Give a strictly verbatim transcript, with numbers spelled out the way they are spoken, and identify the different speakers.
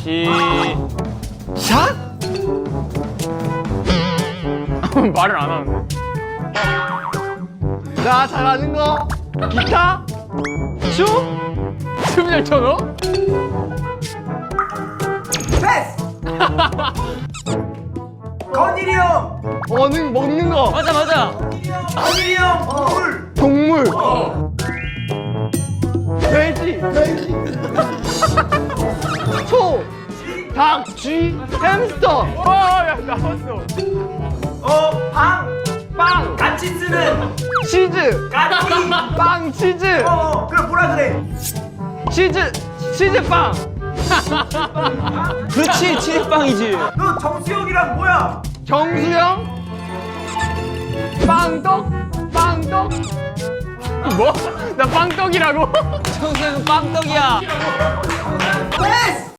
Speaker 1: 시... 샷? 말을 안 하는데. 나 잘하는 거 기타? 춤? 춤 잘 춰 너?
Speaker 2: 패스! 건일이 형!
Speaker 1: 어는 먹는 거.
Speaker 3: 맞아 맞아.
Speaker 2: 건일이 형! 물!
Speaker 1: 동물. 돼지. 돼지. 소. 닭. 쥐. 햄스터. 와야 나왔어.
Speaker 2: 어, 방!
Speaker 1: 빵.
Speaker 2: 같이 쓰는
Speaker 1: 치즈.
Speaker 2: 까치!
Speaker 1: 빵 치즈.
Speaker 2: 어, 어, 그럼 뭐라 그래?
Speaker 1: 치즈. 치즈빵.
Speaker 3: 그렇지 치즈빵이지.
Speaker 2: 너 정수영이랑 뭐야?
Speaker 1: 정수영. 빵떡. 빵떡. 뭐? 나 빵떡이라고?
Speaker 3: 청소년 빵떡이야.
Speaker 2: 패스!